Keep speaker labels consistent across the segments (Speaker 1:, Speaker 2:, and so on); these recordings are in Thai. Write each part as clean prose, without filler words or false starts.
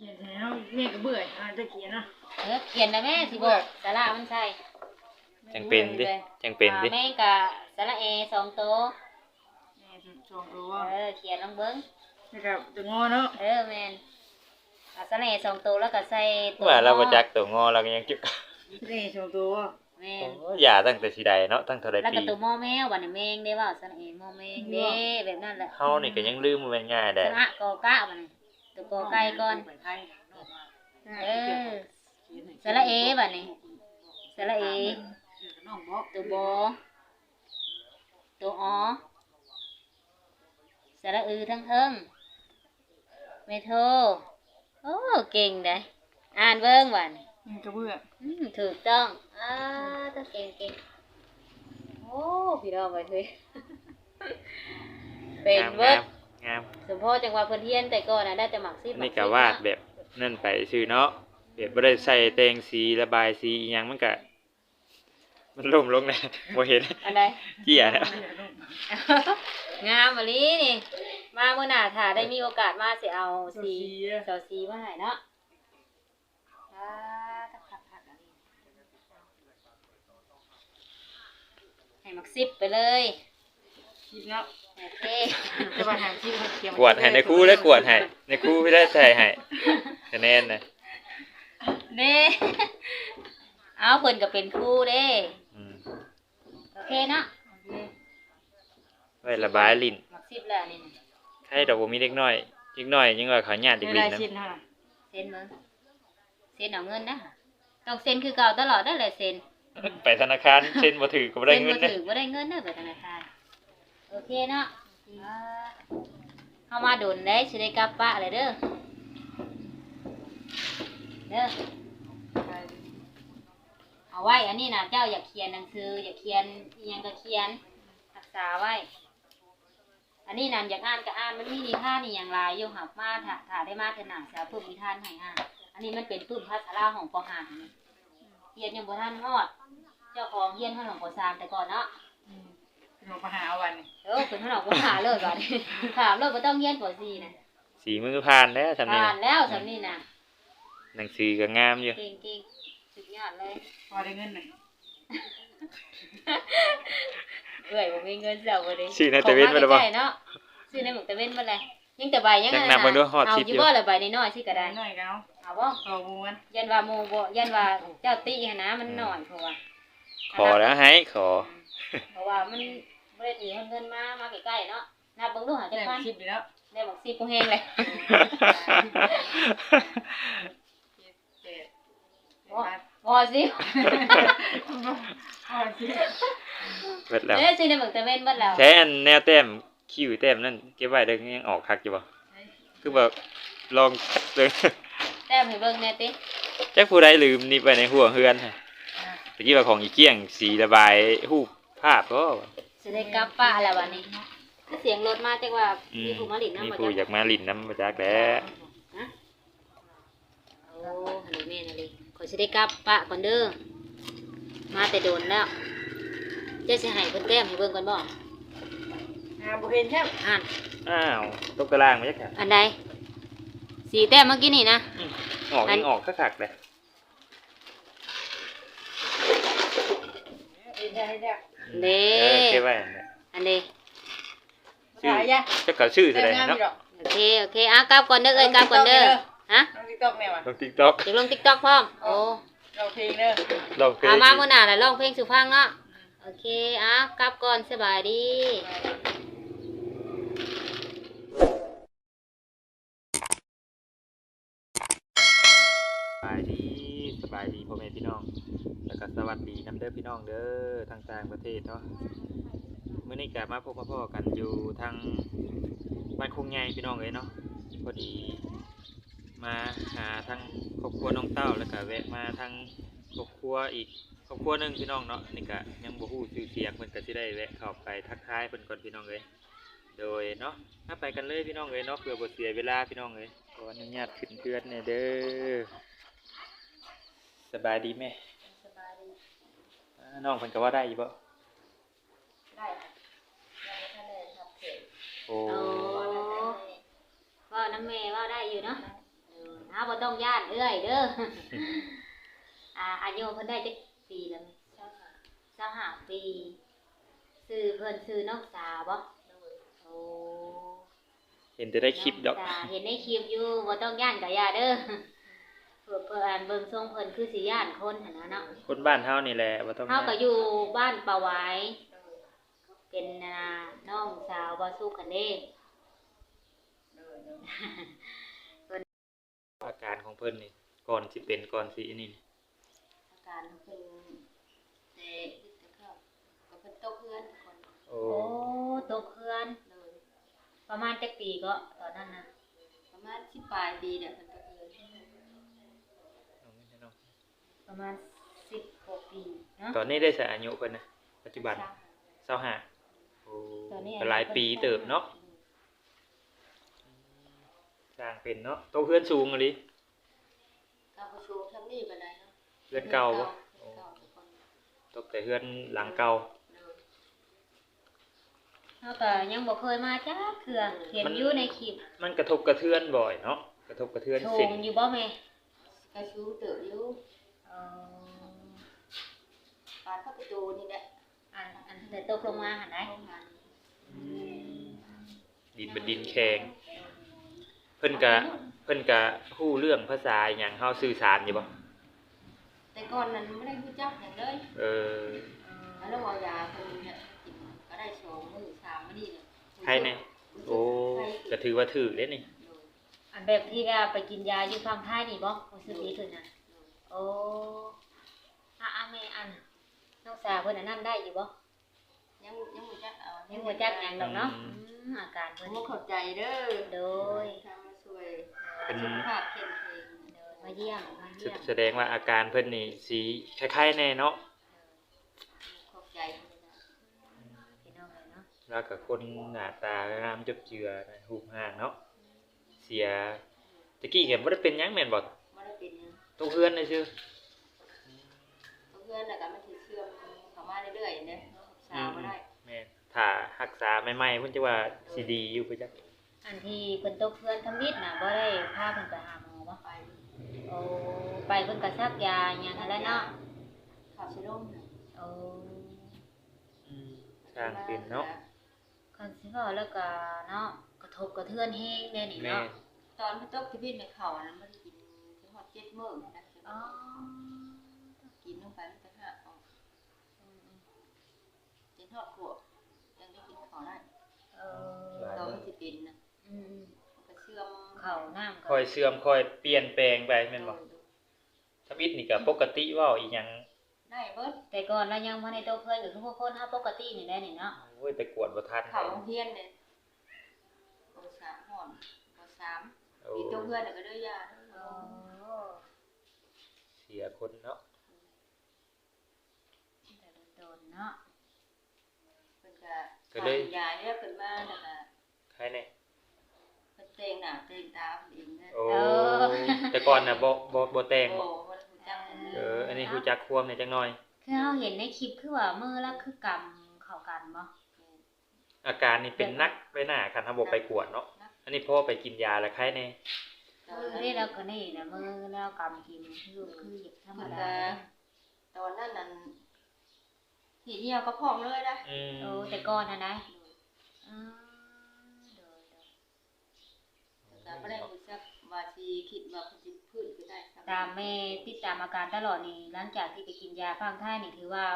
Speaker 1: ขียนแล้วแม่ก็เบื่อจะเขียนนะ
Speaker 2: เขียนนะแม่สิบอกสาระมันใช่
Speaker 3: จังเป็นดิจังเป็นดิ
Speaker 2: แม่กะสาระเอ2ตัว
Speaker 1: 2ตัว
Speaker 2: เขียนลองเบิ้ง
Speaker 1: แล้วก็ตัวงอเนาะ
Speaker 2: แม่นสาระเอ2ตัวแล้วก็ใส่ตัว
Speaker 3: ว่าเราบ่จักตัวงอเราก็ยังจุก
Speaker 1: นี่2ตัว
Speaker 2: แม่น
Speaker 3: อย่าตั้งแต่สิใดเนาะตั้งเท่าใดปี
Speaker 2: แล้วก็ตัวมอแมวบัดนี้แมงได้ว่าสาระเอมอแมงเด้แบบนั้นแหละ
Speaker 3: เฮานี่ก็ยังลืมมันง่ายได้
Speaker 2: สระกอกะบัดนี้ตัวกอไก่ก่อนสระเอบัดนี้สระเอตัวบอตัวอสระอือทั้งเทิงเมโทโอ้เก่งได้อ่านเบิ่งบัดนี้
Speaker 1: ก็เบื่อ
Speaker 2: ถูกต้องต้องเก่งโอ้พี่น้องไปเฮ้ยเป็นเวิร์ด
Speaker 3: งาม
Speaker 2: สมพ่อจังหวะเพิ่นเฮียนแต่ก่อนน่ะได้แต่หมักซิบ
Speaker 3: นี่ก็วาดแบบนั่นไปซื่อเนาะแบบบ่ได้ใส่แต่งสีระบายสีอีหยังมันก็มันล่มลงนะบ่เห็น
Speaker 2: อันใด
Speaker 3: เกี้ยนะ
Speaker 2: งามมะลินี่มามื้อหน้าถ้าได้มีโอกาสมาสิเอาสีมาให้เนาะให้หมักซิบไปเลย
Speaker 1: คิดแล้ว
Speaker 2: โอเค
Speaker 1: จะมาหาที่เขียน
Speaker 3: กวดให้ในครูแล้วกวดให้ในครูไม่ได้ใส่ให้คะแนนนะ
Speaker 2: เด้เอาเพิ่นก็เป็นครูเด้โอเคเนาะ
Speaker 3: ไว้ระบายลิ้น
Speaker 2: หมักซิบแล้วนี่
Speaker 3: ให้ดอกบ่มีเด็กน้อยยังว่าเขาญาติเด็กลิ้นนะ
Speaker 2: เซ็นมึงเซ็นเอาเงินนะต้องเซ็นคือเก่าตลอดได้เลยเซ็น
Speaker 3: ไปธนาคารเซ็นบ่ถือก็บ่ได้เงิน
Speaker 2: เซ็นบ่ถือบ่ได้เงินเด้อไปธนาคารโอเคเนาะเข้ามาโดนได้สิได้กลับปะเลยเด้อเอาไว้อันนี้นะเจ้าอยากเขียนหนังสืออยากเขียนอีหยังก็เขียนรักษาไว้อันนี้นั่นอยากอ่านก็อ่านมันมีนิทานนี่อย่างไรอยู่หับมาถ้าได้มาเถิดหนังจะเพิ่มนิทานให้อ่านอันนี้มันเป็นปื้มภาษาลาวของป.5เรียนยังบ่ทันฮอดเจ้าของเรียนขนมป.3แต่ก่อนเนาะ
Speaker 1: ลงมาหาวันนี้
Speaker 2: เป็นขนมป.5เลยก่อนถามเลยบ่ต้องเรียนป.4น่ะ
Speaker 3: สีมือผ่านแล้วสำนี้
Speaker 2: ผ่านแล้วสำนี้น่ะ
Speaker 3: หนังสือก็งามอยู่
Speaker 2: เก่งๆสุดยอดเลย
Speaker 1: พอได้เงินหน่อย
Speaker 2: บ่มีเงินเจ้าบ่ได้
Speaker 3: ชื่อในตะเวนบ่ได้บ่
Speaker 2: เนาะชื่อในหมึกตะเวนบ่ได้ยังแต่ใบยัง
Speaker 3: นั่นน่ะเบิ่งดูฮอด10
Speaker 2: อยู่บ่ละใบน้อยๆสิก็ได้
Speaker 1: น้อยก็
Speaker 2: เอาบ่
Speaker 1: เอาหมู่มัน
Speaker 2: ยันว่าหมู่บ่ยันว่าเจ้าติหั่นนะมันน้อยเพราะว่า
Speaker 3: ขอแล้วให้ขอ
Speaker 2: เพราะว่ามันบ่ได้หนีเงินมาใกล้ๆเนาะนับเบิ่งดูหาจักพัน
Speaker 1: 10อยู่แล้ว
Speaker 2: ได้บัก10บ่แฮงเลยบ่สิ
Speaker 3: เบิดแล้ว
Speaker 2: สิในหมึกตะเวนเบิดแล้ว
Speaker 3: ใช้อันแนวแต้มคิ้วแต้มนั่นเก็บไว้ได้ยังออกคักอยู่บ่คือแบบลองเบิ่ง
Speaker 2: แต้มให้เบิ่งแน่ติ
Speaker 3: จักผู้ใดลืมนี่ไปในหัวเฮือนฮะตะกี้ว่าของอีเกี้ยงสีระบายรูปภาพก็
Speaker 2: สิได้กลับป้าแล้วบัดนี้คือเสียงรถมาจักว่ามีผู้มาลิ้นนำ
Speaker 3: บ่
Speaker 2: จักมี
Speaker 3: ผู้อยากมาลิ้นนำบ่จักแหละ
Speaker 2: โอ้ฮัลโหลแม่น่ะดิขอสิได้กลับป้าก่อนเด้อมาแต่โดนแล้วเจ๊สิให้เพิ่นแต้มให้เบิ่งก่อนบ่
Speaker 1: บ่เห็นแท้
Speaker 3: อ้าวตกตารางมาจักค่ะ
Speaker 2: อันใดสีแต้มเมื่อกี้นี่นะ
Speaker 3: ออกคักๆเลย
Speaker 2: เด้
Speaker 3: เก็บไว้
Speaker 2: อันเด้
Speaker 3: ชื่อจะก็ชื่อแสดงเนาะ
Speaker 2: โอเคกลับก่อนเด้อกลับก่อนเด้อฮะ
Speaker 1: ลง TikTok แม่ว่ะ
Speaker 3: ลง TikTok
Speaker 2: จะลง TikTok พร้อมโอ้
Speaker 1: ร้องเพลงเด้อ
Speaker 3: ร้องเพลง
Speaker 2: มามื้อหน้าแล้วร้องเพลงสู่ฟังเนาะโอเคกลับก่อนสบายดี
Speaker 3: สบายดีพ่อแม่พี่น้องแล้วก็สวัสดีน้ำเด้อพี่น้องเด้อทางต่างประเทศเนาะมื้อนี้ก็มาพบมาพ่อกันอยู่ทางบ้านคงใหญ่พี่น้องเอ้ยเนาะพอดีมาหาทางครอบครัวน้องเต้าแล้วก็แวะมาทางครอบครัวอีกครอบครัวนึงพี่น้องเนาะนี่ก็ยังบ่ฮู้ชื่อเสียงเพิ่นก็สิได้แวะเข้าไปทักทายเพิ่นก่อนพี่น้องเอ้ยโดยเนาะถ้าไปกันเลยพี่น้องเอ้ยเนาะเพื่อบ่เสียเวลาพี่น้องเอ้ยขออนุญาตขึ้นเพื่อนแน่เด้อสบายดีแม่
Speaker 2: สบายดี
Speaker 3: น้องเพิ่นก็ว่าได้อยู่บ่
Speaker 2: ได้ยังบ่ทันได้ทำเสร็จ
Speaker 3: โอ้
Speaker 2: ว่าน้ำแม่ว่าได้อยู่เนาะบ่ต้องย่านเอ้ยเด้อ อายุเพิ่นได้จักปีแล้วมั้ย25ปีชื่อเพิ่นชื่อน้องสาวบ่โอ้
Speaker 3: เห็นแต่ได้คลิปดอก
Speaker 2: น้งสาวเห็นในคลิปอยู่บ่ต้องย่านก็อย่าเด้อเพิ่นอ่านเบิ่งทรงเพิ่นคือสิย่านคนหั่นนะเนาะ
Speaker 3: คนบ้านเฮานี่แหละบ่ต้อง
Speaker 2: เฮาก็อยู่บ้านป่าหวายเป็นน้องสาวบ่สุขกันเด้
Speaker 3: อาการของเพิ่นนี่ก่อนสิเป็นก่อนสิอันนี้นี่
Speaker 2: อาการเพิ่นแต่เข้าก็เพิ่นตกเฮือนคน
Speaker 3: โอ้
Speaker 2: โอ้ตกเฮือนเลยประมาณจักปีก็ตอนนั้นน่ะประมาณ10ปลายปีเนี่ยเพิ่นตกเฮือนประมาณ16ปีเนาะ
Speaker 3: ตอนนี้ได้ใส่อายุเพิ่นนะปัจจุบัน25โอ้
Speaker 2: ตอนนี้
Speaker 3: ก็หลายปีเติบเนาะสร้างเป็นเนาะโตเฮือนสูงอะลิ
Speaker 2: ก็บ่ชูทำนี่ปานใดเนาะ
Speaker 3: เฮือนเก่าบ่
Speaker 2: เฮือนเก่าทุกคน
Speaker 3: ตกแต่เฮือนหลังเก่า
Speaker 2: เฮาก็ยังบ่เคยมาจักเทื่อเห็นอยู่ในคลิป
Speaker 3: มันกระทบกระเทือนบ่อยเนาะกระทบกระเทือน
Speaker 2: โช
Speaker 3: เส้น
Speaker 2: มอยู่บ่แม่กระชูเติบอยู่ปานเข้าประตูนี่แหละอันแต่ตกลงมาหั่นได้
Speaker 3: ดินเป็นดินแข็งเพิ่นก็ฮู้เรื่องภาษาอิหยังเฮาสื่อสารอยู่บ่
Speaker 2: แต่ก่อนนั้นไม่ได้รู้จักหยังเลย แล้วเอายาเพิ่นเนี่ยกินก็ได้2มื้อ3มื้อนี่น่ะ
Speaker 3: ใครแน่โอ้ก็ถือว่าถูกเด้นี่
Speaker 2: อันแบบที่ว่าไปกินยาอยู่ฝั่งไทยนี่บ่รู้สึกดีขึ้นน่ะโอ้แม่อันน้องสาวเพิ่นอันนั้นได้อยู่บ่ยังบ่จักยังบ่จักหยังดอกเนาะอาการเพิ่นบ่เข้าใจเด้อโดยทางมาช่วย
Speaker 3: เป็น
Speaker 2: สุขภาพเข้มแข็งโดยมาเยี่ยม
Speaker 3: แสดงว่าอาการเพิ่นนี่สีคล้ายๆแน่เนาะ
Speaker 2: ขอบใจพี่น้องเลยเนาะ
Speaker 3: แล้วก็คนหน้าตางามจบเจือรูปร่างเนาะเสียตะกี้ก็บ่ได้เป็นหยังแม่นบ่
Speaker 2: บ่ได้เป็นหยัง
Speaker 3: ตกเฮือนได้ซื่อ
Speaker 2: เพื่อนน่ะก็มันสิเชื่อมเข้ามาเรื่อยๆเด้รักษาบ่ได้
Speaker 3: แม่นถ้ารักษาใหม่ๆเพิ่นจะว่าสิดีอยู่คือจัก
Speaker 2: อันที่เพิ่นตกเพื่อนทำมิดน่ะบ่ได้พาเพิ่นไปหาหมอบ่ไปโอ้ไปเพิ่นก็ซักยาหยังนั่นแหละเนาะข้าวสิลงโอ้
Speaker 3: สร้างเป็นเนาะ
Speaker 2: คันสิเว้าแล้วก็เนาะกระทบกระเทือนแฮงแน่นี่
Speaker 3: แม่
Speaker 2: เนาะตอนเพิ่นตกที่พี่ในข้าวนั้นบ่ได้กินถึงฮอด7มื้อนะอ๋อกินลงไปมันก็หักออกจนฮอดขวบยังได้กินข้าวได้ตอนมันสิเป็นน่ะมันก็เชื่อมข้าวน้ำ
Speaker 3: ค่อยเสื่อมค่อยเปลี่ยนแปลงไปแม่นบ่ทำอิฐนี่ก็ปกติเว้าอีหยัง
Speaker 2: ได้เบิดแต่ก่อนเรายังบ่ได้โตเพิ่นก็คือพวกคนเฮาปกตินี่แหละนี่เนาะ
Speaker 3: โอ้ยไปกวดบ่ทัน
Speaker 2: เขาโรงเรียนเนี่ยป.3 ฮ้อนป.3
Speaker 3: โอ้
Speaker 2: มีตัวเพื่อนก็ได้ยา
Speaker 3: เสียคนเนาะ
Speaker 2: แต่โดนเนาะเพิ่นก็เลยยาเนี่ยเพิ่นมาแล้วก็
Speaker 3: ใครแน่
Speaker 2: เพิ่นแต่งหน้าแต่งตาเพิ่นเองนะ
Speaker 3: โอ้แต่ก่อนน่ะบ่แต่ง
Speaker 2: โอ้
Speaker 3: บ่
Speaker 2: บ่รู้จัก
Speaker 3: อันนี้รู้จักความเนี่ยจักหน่อย
Speaker 2: คือเฮาเห็นในคลิปคือว่ามือละคือกำเข้ากันบ่
Speaker 3: อาการนี่เป็นนักไปหน้าคันถ้าบ่ไปกวดเนาะอันนี้พอไปกินยาแล้วใครแน่
Speaker 2: นี่เราก็นี่นะมือแล้วกำกินคือธรรมดาตอนนั้นนั่นทีเดียวก็พร้อมเลยนะโอ้แต่ก่อนน่ะนะแต่บ่ได้รู้จักว่าสิคิดว่าเพิ่นสิพื้นคือได้ตามแม่ติดตามอาการตลอดนี่หลังจากที่ไปกินยาฟังไทยนี่ถือว่า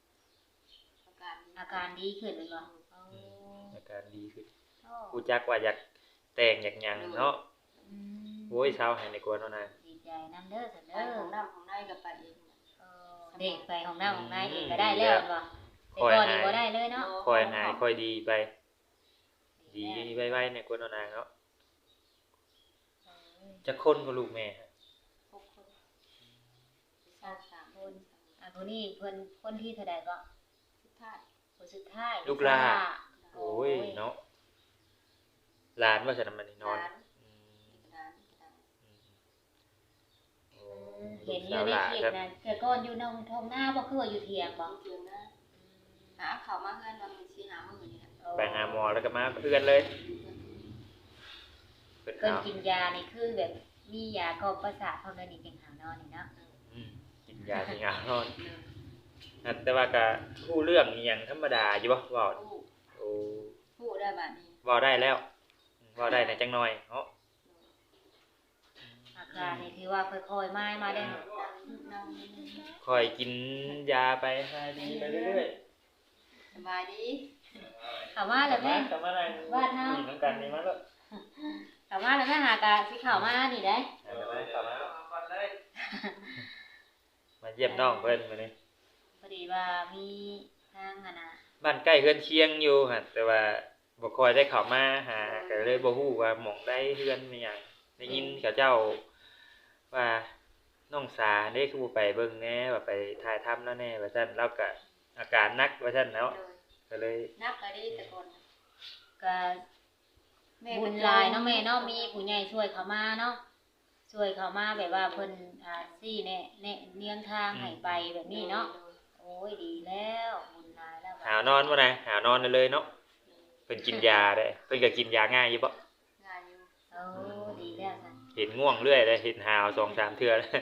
Speaker 2: อาการดีขึ้นเลยบ่
Speaker 3: อาการดีขึ้นรู้จักว่าอยากแต่งอยากหยังเนาะโอ้ยเช้าให้ในกวนเนาะนาย
Speaker 2: ดีใจนำเด้อซั่นเด้อของน้ำของในก็ไปเองเด็กไปของน้ำของในเองก็ได้แล้วบ่แต่ก่อนนี่บ่ได้เลยเนาะ
Speaker 3: ค่อยหายค่อยดีไป ดีไวๆในกวนเนาะนายเนาะจะคนกับลูกแม่ฮะ
Speaker 2: 6 คน3 คนคนนี้เพิ่นคนที่เท่าใดก็สุดท้ายคนสุดท้าย
Speaker 3: ลูกหลานโอ้ยเนาะหลานว่าฉันมันนี่นอน
Speaker 2: เห็นอยู่ในคลิปนะแต่ก่อนอยู่ในท้องหน้าบ่คือว่าอยู่เถียงบ่เถียงนะหาข้าวมาเฮือนว่ามันสิหามื้อนี่ล่ะ
Speaker 3: ไปหาหมอแล้วก็มาเพื่อนเลย
Speaker 2: เพิ่นกินยานี่คือแบบมียากล่อมประสาทพร้อมแล้วนี่จังหาวนอนนี่เนาะ
Speaker 3: กินยาสิงานอนแต่ว่าก็ฮู้เรื่องอีหยังธรรมดาอยู่บ่เว้าโอ้
Speaker 1: พูดได้บัดนี้
Speaker 3: เว้าได้แล้วเว้าได้ในจังหน่อยเนาะ
Speaker 2: อาการนี่ถือว่าค่อยๆมาได้
Speaker 1: นั่ง
Speaker 3: ค่อยกินยาไปให้ดีไปเรื่อย
Speaker 1: สบายดี
Speaker 2: เข้ามาแล้วแม่
Speaker 3: กลับมานั่ง
Speaker 2: บ้านเฮา
Speaker 3: น้ำกันนี่มาแล้ว
Speaker 2: เข้ามาแล้วแม่หากะสิเข้ามานี่ได้
Speaker 3: กลับมามาเยี่ยมน้องเพิ่นมื้อนี้
Speaker 2: พอดีว่ามีทางอะนะ
Speaker 3: บ้านใกล้เฮือนเคียงอยู่หั่นแต่ว่าบ่ค่อยได้เข้ามาหาก็เลยบ่ฮู้ว่าหม่องใดเฮือนมีหยังได้ยินเขาเจ้าว่าน้องสาเด้คือบ่ไปเบิ่งแหน่ว่าไปถ่ายทำแล้วแหน่ว่าซั่นแล้วก็อาการหนักว่าซั่นเนาะก็เลย
Speaker 1: นักก็ดีแต่ก่อน
Speaker 2: ก็บุญหลายเนาะแม่เนาะมีผู้ใหญ่ช่วยเขามาเนาะช่วยเขามาแบบว่าเพิ่นซี่แนะเนียงทางให้ไปแบบนี้เนาะโอ้ยดีแล้วบุญหลายแล้ว
Speaker 3: หาวนอนบ่นะหาวนอนได้เลยเนาะเพิ่นกินยาได้เพิ่นก็กินยาง่ายอยู่บ่
Speaker 1: งานอยู่
Speaker 2: โอ้ดีแล้วซั่น
Speaker 3: เห็นง่วงเรื่อยเลยเห็นหาว 2-3 เทื่อแล้ว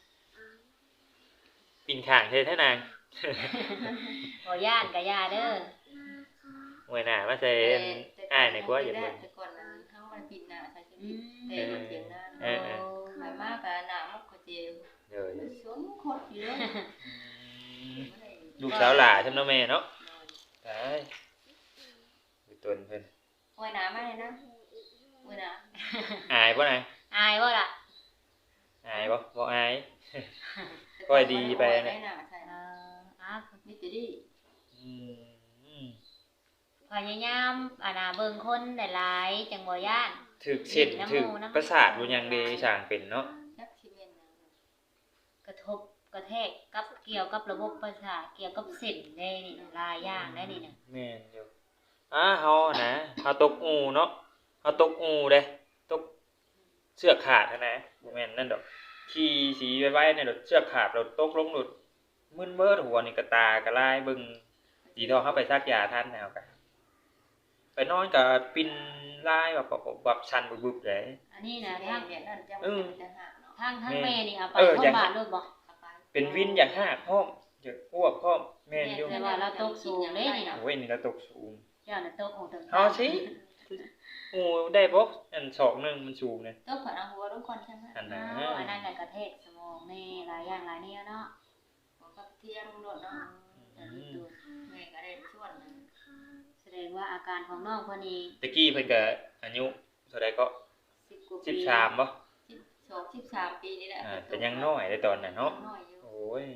Speaker 3: ปิ่นข้างเฮ็ดให้นาง
Speaker 2: บ่ย่านก็ย่าเด้อ
Speaker 3: มวยหน้ามาใส่อ้ายนี่กว่าอย่าเบิ่ง
Speaker 1: แต่ก่อนนั้นเฮามันผิดหน้าใช่
Speaker 2: อืม
Speaker 1: แต่มันเสียงหน้า
Speaker 3: เออ
Speaker 1: ไปมากก็หน้ามุกก็เจ็บ
Speaker 3: เด้อ
Speaker 1: สวนคดอยู่เลย
Speaker 3: ลูกสาวหล่าใช่เนาะแม่เนาะตายอยู่ตนเพิ่น
Speaker 1: โอ้ยหนามาเลยนะโอ้ยหนา
Speaker 3: อายบ่นาง
Speaker 2: อายบ่ล่ะ
Speaker 3: อายบ่บ่อาย ค่อยดีไปนะ
Speaker 1: ได้หนาใช่ มิตรดี
Speaker 3: อืม
Speaker 2: พยายามเบิ่งคนหลายๆจังบ่ย่าน
Speaker 3: ถึกเส้นถึกประสาทบ่ยังดีสร้างเป็นเนาะ
Speaker 1: จักชิเมนนะ
Speaker 2: กระทบกระแทกกับเกี่ยวกับระบบประสาทเกี่ยวกับเส้นได้นี่หลายอย่างได้นี่น่ะ
Speaker 3: แม่นอยู่เฮานะเฮาตกอูเนาะเฮาตกอูเด้ตกเชือกขาดนะบ่แม่นนั่นดอกขี่สีไว้ๆเนี่ยดอกเชือกขาดแล้วตกลงหลุดมึนเบิดหัวนี่ก็ตากระลายเบิ่งดีทอเฮาไปซักยาทันแนวกันไปนอนก็ปิ่นลายแบบชันบึบๆเลย
Speaker 2: อันนี้นะ
Speaker 1: ทา
Speaker 2: ทาง ง
Speaker 1: เวียนนั่นจะเป็นทหารเนาะ
Speaker 2: ทางแม่นี่เอาไป
Speaker 3: เออ
Speaker 2: โรงพ
Speaker 3: อย่าง
Speaker 2: ยาบาลเลยบ่
Speaker 3: เป็นวินอย่างหากพร้อมอยากอ้วกพร้อมแม่นอยู่
Speaker 2: แต่ว่าเราตกสูงเลยนี่น่ะ
Speaker 3: โอ้ยนี่เราตกสูง
Speaker 2: เจ้าน่ะตกของถึง
Speaker 3: เอาสิโอ้ได้บ่อันศอกหนึงมันสูงเนี่ย
Speaker 1: ต้องผ่านหัวทุกคนใช่ไหม
Speaker 3: อัน
Speaker 2: อ๋
Speaker 3: น่ะ
Speaker 2: ออันนั้นก็กระแทกสมองนี่หลายอย่างหลายแนวเนาะ
Speaker 1: กับเที่ยงรถเนาะ
Speaker 2: แต่รู้ตัว
Speaker 1: แม่ก็ได้ชวนนะ
Speaker 2: แสดงว่าอาการของน้องคนนี้
Speaker 3: ตะกี้เพิ่นก็อายุเท่าใดก็
Speaker 2: 10กว่าปี
Speaker 3: 13บ่
Speaker 1: 12 13 ปีนี่แหละ
Speaker 3: แต่ยังน้อยได้ตอนนั้นเนาะ
Speaker 1: น้อยอยู่
Speaker 3: โอ้ย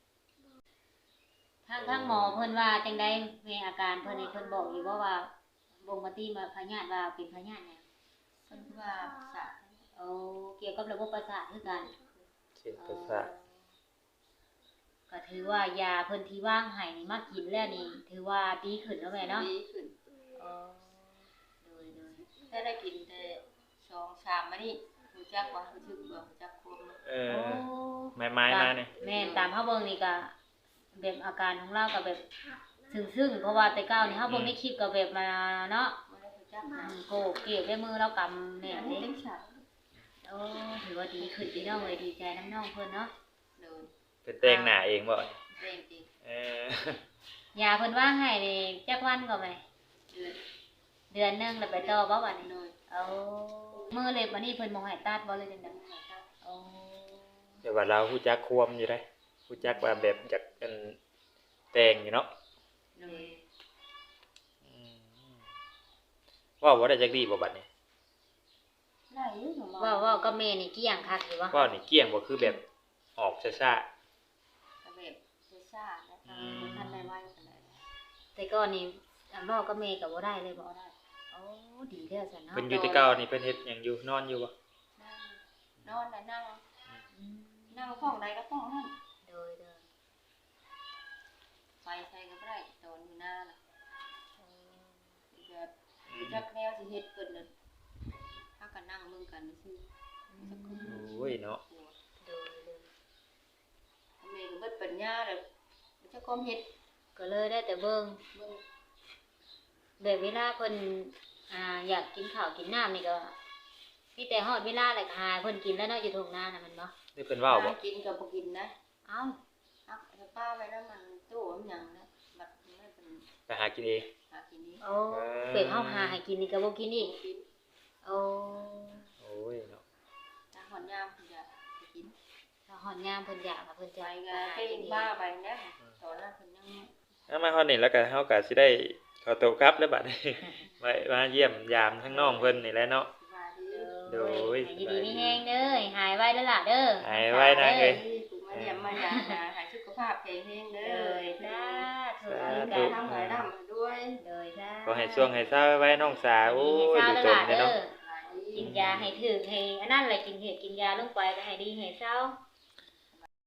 Speaker 2: ทางหมอเพิ่นว่าจังได๋แม่อาการเพิ่นนี่เพิ่นบอกอยู่ว่าบ่งปฏิมาพยาธิว่าเป็นพยาธิหยัง
Speaker 1: เพิ่นว่าสะ
Speaker 2: เอาเกี่ยวกับระบบประสาทคือกัน
Speaker 3: เส้นประสาท
Speaker 2: ก็ถือว่ายาเพิ่นที่ว่างให้นี่มากินแล้วนี่ ถือว่าดีขึ้นแล้วแม่เนาะ
Speaker 1: ดีขึ้น
Speaker 2: เออโดย
Speaker 1: ถ้าได้กินแต่2 3มานี่รู้จักว่ารู้สึกว่ารู้จักควม
Speaker 3: เอ
Speaker 2: โอ้
Speaker 3: อไม้ๆมาเนี่ย
Speaker 2: แม่นตามเฮาเบิ่งนี่ก็แบบอาการของเราก็แบบซึ้งๆเพราะว่าแต่เก่านี่เฮาเบิ่งในคลิปก็แบบมาเนาะ
Speaker 1: บ่ได้รู้จักนะ
Speaker 2: โกเก็บด้วยมือเรากำเนี่ย
Speaker 1: นี่
Speaker 2: นี่
Speaker 1: เต็มฉาก
Speaker 2: โอ้ถือว่าดีขึ้นพี่น้องเลยดีใจน้ำน้องเพิ่นเนาะ
Speaker 1: เลย
Speaker 3: เป็นแต่งหน้าเองบ่
Speaker 1: เร่งจริง
Speaker 3: เออ
Speaker 2: ยาเพิ่นว่างให้นี่จักวันก็ไหม
Speaker 1: เดือน
Speaker 2: เดือนหนึงแล้วไปต่อบ่บัดนี้
Speaker 1: เลย
Speaker 2: เอามือเล็บบัดนี้เพิ่นบ่ให้ตัดบ่เลยจังได๋โอ้
Speaker 3: เดี๋ยวว่าเราฮู้จักความอยู่ได้ฮู้จักว่าแบบจากกันแต่งอยู่เนาะ
Speaker 1: เลย
Speaker 3: อืมว่าบ่ได้จักดีบ่บัดนี้
Speaker 1: ได้อยู่หนู
Speaker 2: ว่าก็แม่นี่เกี้ยงคักอยู่วะ
Speaker 3: ว่านี่เกลี้ยงบ่คือแบบออกซ่า
Speaker 1: ก็แบบซ่าๆแล้วทันได้ไว้กันเลย
Speaker 2: แต่ก่อนนี่อันเว้าก็แม่ก็บ่ได้เลยบ่ได้โอ้ดีแล้วซั่น
Speaker 3: ๆ
Speaker 2: เนาะ
Speaker 3: เพิ่นอยู่แต่เก่านี่เพิ่นเฮ็ดหยังอยู่นอนอยู่บ่
Speaker 1: นอนแล้วนั่ง
Speaker 2: อืม
Speaker 1: นั่งห้องใดก็ห้องนั้น
Speaker 2: โดย
Speaker 1: ไฟใส่ก็บ่ได้ตอนอยู่หน้าน่ะแบบจักแนวสิเฮ็ดเพิ่นน่ะพากันนั่งเบิ่งกันซื่อ
Speaker 3: โอ้ยเนาะ
Speaker 2: โดย
Speaker 1: แม่ก็เบิดปัญญาแล้วจะก้มเฮ็ด
Speaker 2: ก็เลยได้แต่เบิ่ง
Speaker 1: เบิ่ง
Speaker 2: แบบเวลาเพิ่นอยากกินข้าวกินน้ำนี่ก็เฮ็มีแต่ฮอดเวลาแหละหาเพิ่นกินแล้วเนาะอยู่ทุ่งนาน่ะมันบ่
Speaker 3: นี่เพิ่นเว้าบ่
Speaker 1: หกินกับบ่กินนะ
Speaker 2: เอ้า
Speaker 1: ฮักเอาป้าไว้แล้วมันตู้มันหยังนะบัดไม่เป็น
Speaker 3: ไปหากินเอง
Speaker 1: หากินนี้
Speaker 2: โอ้เป็ดเฮาหาให้กินนี่ก็บ่กินอีก
Speaker 1: กิน
Speaker 2: โอ้
Speaker 3: โอ้ยเนาะ
Speaker 1: ถ้าหอนยามเพิ่นจะไปกิน
Speaker 2: ถ้าฮอดยามเพิ่นอยากอะเพิ่น
Speaker 1: ไป
Speaker 2: จะ
Speaker 1: ก็
Speaker 2: หา
Speaker 1: ไป
Speaker 2: กินเอง
Speaker 1: บ้าไปนะตอนนั้นเพิ่นยัง
Speaker 3: เอามาฮอดนี่แล้วก็เฮาก็สิได้ขอตัวกลับแล้วบัดนี้ ไว้มาเยี่ยมยามทั้งน้องเพิ่นนี่แหละเนาะ
Speaker 1: สบายดี
Speaker 3: โดย
Speaker 2: ให้ดีๆมีแฮงเด้อให้หายไวเด้อล่ะเด้อ
Speaker 3: หายไว้นะเอ้ย
Speaker 1: ถูกมาเยี่ยมมาหยามนะให้สุขภาพแข็งแรงเด้
Speaker 2: เด้
Speaker 1: อ
Speaker 2: อจ้าถูก
Speaker 3: สา
Speaker 2: มี
Speaker 3: ธุ
Speaker 2: การ
Speaker 1: ทำหายร่ำด้วย
Speaker 2: เด้อจ้า
Speaker 3: ขอให้ช่วงให้เศร้าไว้น้องสาวโอ้ยดู
Speaker 2: ให้
Speaker 3: จ
Speaker 2: เศร้า
Speaker 3: มเลย
Speaker 2: เด้อ
Speaker 3: เนาะ
Speaker 2: กินยาให้ถึกให้อันนั้นแหละกินเห็ดกินยาลงไปก็ให้ดีให้เศร้า